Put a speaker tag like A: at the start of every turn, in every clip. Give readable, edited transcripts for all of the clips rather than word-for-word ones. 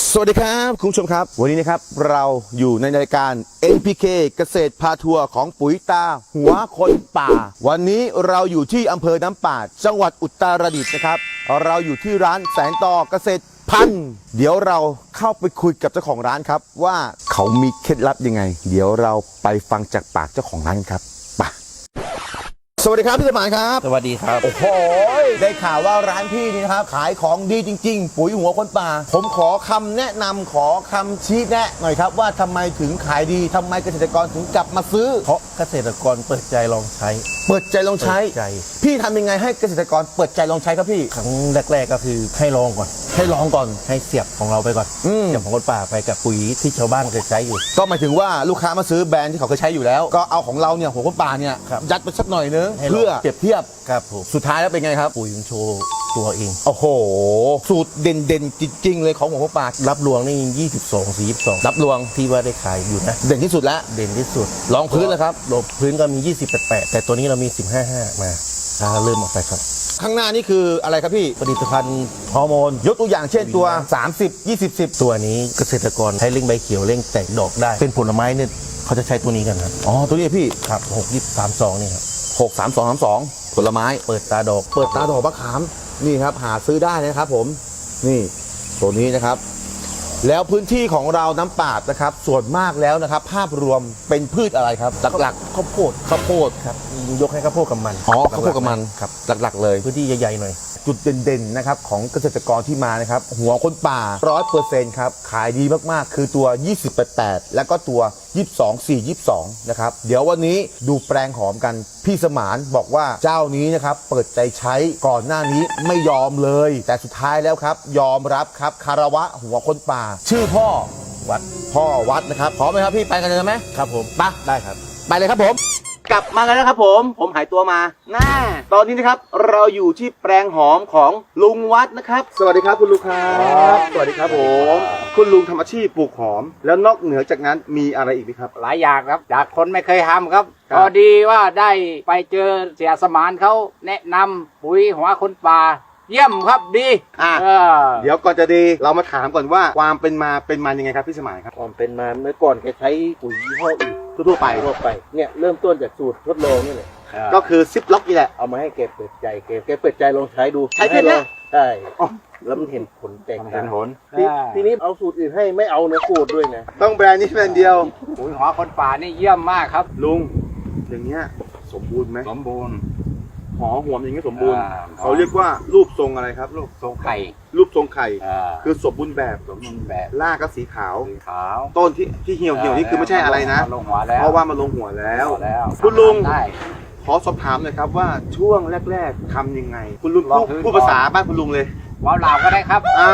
A: สวัสดีครับคุณผู้ชมครับวันนี้นะครับเราอยู่ในรายการ NPK เกษตรพาทัวร์ของปุ๋ยตาหัวคนป่าวันนี้เราอยู่ที่อำเภอน้ำปาดจังหวัดอุตรดิตถ์นะครับเราอยู่ที่ร้านแสงต่อเกษตรพันธุ์เดี๋ยวเราเข้าไปคุยกับเจ้าของร้านครับว่าเขามีเคล็ดลับยังไงเดี๋ยวเราไปฟังจากปากเจ้าของร้านครับไปสวัสดีครับพี่สมานครับ
B: สวัสดีครับ
A: โอ้โหได้ข่าวว่าร้านพี่นี่นะครับขายของดีจริงๆปุ๋ยหัวคนป่าผมขอคำแนะนำขอคำชี้แนะหน่อยครับว่าทำไมถึงขายดีทำไมเกษตรกรถึงกลับมาซื้อ
B: เพราะเกษตรกรเปิดใจลองใช้
A: เปิดใจลองใช้
B: เปิดใจ
A: พี่ทำยังไงให้เกษตรกรเปิดใจลองใช้ครับพี่
B: ครั้งแรกๆก็คือให้ลองก่อน
A: ให้ลองก่อน
B: ให้เสียบของเราไปก่อน เสียบของคนป่าไปกับปุ๋ยที่ชาวบ้านเคยใช้อยู่
A: ก็หมายถึงว่าลูกค้ามาซื้อแบรนด์ที่เขาเคยใช้อยู่แล้วก็เอาของเราเนี่ยหัวคนป่าเนี่ย
B: ครับ
A: ยัดไปสักหน่อยนึง
B: ให้ลอง
A: เพื่อเปรียบเทียบ
B: ครับผม
A: สุดท้ายแล้วเป็นไงครับ
B: ปุ๋ยมันโชว์ตัวเอง
A: โอ้โหสูตรเด่นๆจริงๆเลยของหัวคนป่า
B: รับรวงนี่22 42
A: รับรวง
B: ที่ว่าได้ขายอยู่นะ
A: เด่นที่สุดแล้ว
B: เด่นที่สุด
A: รองพื้นเลยครับ
B: ลงพื้นก็มี28แต่ตัวนี้เรามี15.5มาถ้าเริ่มออกไปครับ
A: ข้างหน้านี่คืออะไรครับพี่
B: ผลิตภัณฑ์ฮอร์โมน
A: ยกตัวอย่างเช่นตัว 30 20 10
B: ตัวนี้เกษตรกรใช้เร่งใบเขียวเร่งแตกดอกได้ เป็นผลไม้เนี่ยเขาจะใช้ตัวนี้กันครับ
A: อ๋อ ตัวนี้พี่
B: ครับ6 20 32นี่ครับ
A: 6 3 2 3 2 ผลไม้
B: เปิดตาดอก
A: เปิดตาดอกมะขาม นี่ครับ หาซื้อได้นะครับผม นี่ตัวนี้นะครับ แล้วพื้นที่ของเราน้ำปาดนะครับ ส่วนมากแล้วนะครับ ภาพรวมเป็นพืชอะไรครับ หลัก
B: ข้าวโพด
A: ๆข้าวโพด
B: ครับยกให้ข้าวโพดกับมัน
A: อ๋อข้าวโพดกับมัน
B: ครับ
A: หลักๆเลย
B: พื้นที่ใหญ่ๆหน่อย
A: จุดเด่นๆนะครับของเกษตรกรที่มานะครับหัวคนป่า 100% ครับขายดีมากๆคือตัว 28 แล้วก็ตัว 22 นะครับเดี๋ยววันนี้ดูแปลงหอมกันพี่สมานบอกว่าเจ้านี้นะครับเปิดใจใช้ก่อนหน้านี้ไม่ยอมเลย แต่สุดท้ายแล้วครับยอมรับครับคารวะหัวคนป่า ชื่อพ่อ
B: วัด
A: พ่อวัดนะครับพร้อมไหมครับพี่ไปกันเลยไหม
B: ครับผม
A: ไป
B: ได้ครับ
A: ไปเลยครับผมกลับมากันแล้วครับผมหายตัวมาตอนนี้นะครับเราอยู่ที่แปลงหอมของลุงวัดนะครับสวัสดีครับคุณลุงครับสวัสดีครับผมคุณลุงทำอาชีพปลูกหอม แล้วนอกเหนือจากนั้นมีอะไรอีกไหมครับ
C: หลายอย่างครับจากคนไม่เคยทำครับ
A: ครับ
C: พอดีว่าได้ไปเจอเสียสมานเขาแนะนำปุ๋ยหัวคนป่าเยี่ยมครับดี
A: เดี๋ยวก่อนจะดีเรามาถามก่อนว่าความเป็นมายังไงครับพี่สมานครับ
B: ความเป็นมาเมื่อก่อนแกใช้ปุ๋ยยี่ห้ออื่น
A: ทั่วๆไป
B: เนี่ยเริ่มต้นจากสูตรทดลองนี่แหละ
A: ก็คือซิปล็อกนี่แหละ
B: เอามาให้แกเปิดใจแกเปิดใจลองใช้ดู
A: ใช้แค่เนี้ย
B: ใช่
A: อ๋อ
B: แล้วมันเห็นผลแตกต่าง
C: เห็นผล
B: ทีนี้เอาสูตรอื่นให้ไม่เอาเนื้อสูตรด้วยนะ
A: ต้องแบรนด์นี้แบรนด์เดียว
C: ปุ๋ยหัวคนป่านี่เยี่ยมมากครับ
A: ลุงอย่างเงี้ยสมบูรณ์ไหม
C: สมบูรณ์
A: หอมอย่างเงี้ยสมบูรณ์
C: อ่า
A: เขาเรียกว่ารูปทรงอะไรครับรูป
C: ทรงไข่
A: รูปทรงไข่
C: อ่า
A: คือสมบูรณ์แบบ
C: สมบูรณ์แบบ
A: รากก็สีขาว
C: สีขาว
A: ต้นที่เหี่ยวนี่คือไม่ใช่อะไรนะ
C: ลงหัวแล้ว
A: เพราะว่ามันลงหัวแล้ว
C: แล้ว
A: คุณลุง
C: ได้
A: ขอสอบถามหน่อยครับว่าช่วงแรกๆทำยังไง คุณลุง
C: ลองพื้น
A: พูดภาษาบ้านคุณลุงเลย
C: ว้าวเหล่าก็ได้ครับ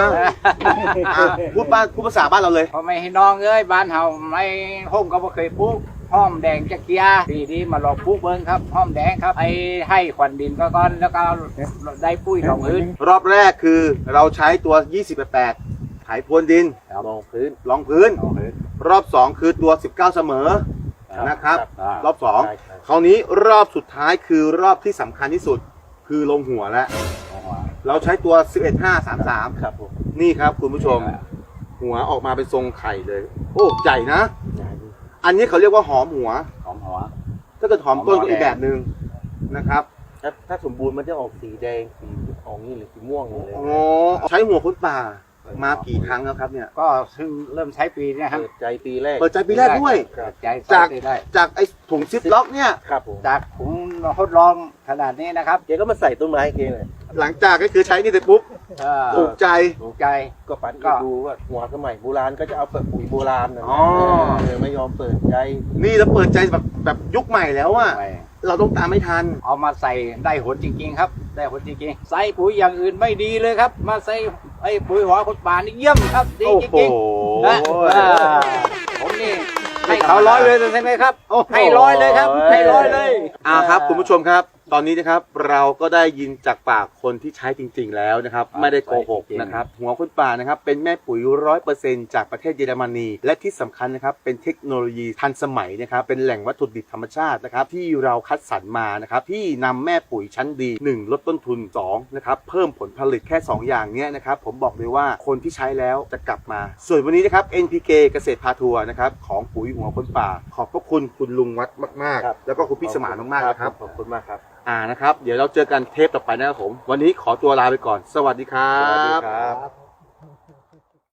A: พูดภาษาบ้านเราเลย
C: พอไม่ให้น้องเอ้ยบ้านเฮาไม่ห้มก็บ่เคยปลูกห้อมแดงจักเกียดีดีมาลองปลูกเบิ่งครับห้อมแดงครับให้ขวัญดินก็ก่อนแล้วก็ได้ปุ๋ยรองพื้น
A: รอบแรกคือเราใช้ตัว 28ไถพรวนดิน
B: ลองพื้น
A: รองพื้น
C: รองพื้น
A: รอบ 2 คือตัว 19 เสมอนะครับ
C: อ่าร
A: อบ
B: ใช่
A: 2 คราวนี้รอบสุดท้ายคือรอบที่สำคัญที่สุด คือลงหัวแล้ว
C: ลงหัว
A: เราใช้ตัว 11-5-3-3
B: ครับผม
A: นี่ครับคุณผู้ชม หัวออกมาเป็นทรงไข่เลย โอ้ใหญ่นะ อันนี้เขาเรียกว่าหอมหัว
C: หอมหัว
A: ถ้าเกิดหอมต้น
C: หอมหัว
A: ก็อีกแบบหนึ่งนะครับ
B: ถ้าสมบูรณ์มันจะออกสีแดงสีออกนี่หรือสีม่วงเลย
A: อ๋อใช้หัวคนป่ามากี่ครั้งแล้วครับเนี่ย
C: ก็เพิ่งเริ่มใช้ปีเนี้ครับ
B: เปิดใจปีแรก
A: เปิดใจปีแรกด้วย
C: เปิดใจ
A: จาก
C: ใช้ได้
A: จากไอ้ถุงซิปล็อกเนี่ย
B: ครับผม
C: จากผมทดลองขนาดนี้นะครับ
B: แกก็มาใส่ต้นไม้ให้แกเลย
A: หลังจากก็คือใช้นี่เสร็จปุ๊บถูกใจ
C: ถูกใจ
B: ก็ปัน
C: ก็
B: ก็ดูว่าหัวสมัยโบราณก็จะเอาเปิดปุ๋ยโบราณนะ
A: อ๋อ
B: ไม่ยอมเปิดใจ
A: นี่แล้วเปิดใจแบบยุคใหม่แล้วอะ
C: ไป
A: เราต้องตามไม่ทัน
C: เอามาใส่ได้ผลจริงๆครับ ได้ผลจริงๆใส่ปุ๋ยอย่างอื่นไม่ดีเลยครับ มาใส่ปุ๋ยหัวคนป่านี่เยี่ยมครับดี
A: โอ้
C: จ
A: โห
C: ริงๆนะผมนี่ให้เขา100เลยใช่ไหมครับ
A: โอ้โห
C: ให้100เลยครับให้100เลย
A: ครับคุณผู้ชมครับตอนนี้นะครับเราก็ได้ยินจากปากคนที่ใช้จริง ๆ แล้วนะครับ ไม่ได้โกหกนะครับหัวคนป่านะครับเป็นแม่ปุ๋ย 100% จากประเทศเยอรมนีและที่สำคัญนะครับเป็นเทคโนโลยีทันสมัยนะครับเป็นแหล่งวัตถุดิบธรรมชาตินะครับที่เราคัดสรรมานะครับที่นำแม่ปุ๋ยชั้นดี 1 ลดต้นทุน2นะครับเพิ่มผลผลิตแค่ 2 อย่างเนี้ยนะครับผมบอกเลยว่าคนที่ใช้แล้วจะกลับมาส่วนวันนี้นะครับ NPK เกษตรพาทัวร์นะครับของปุ๋ยหัวคนป่าขอบพระคุณคุณลุงวัดมากๆแล้วก็คุณพี่สมานมากๆนะครับ
B: ขอบคุณมากครับ
A: นะครับเดี๋ยวเราเจอกันเทปต่อไปนะครับผมวันนี้ขอตัวลาไปก่อนสวัสดีครับ
B: สวัสดีครับ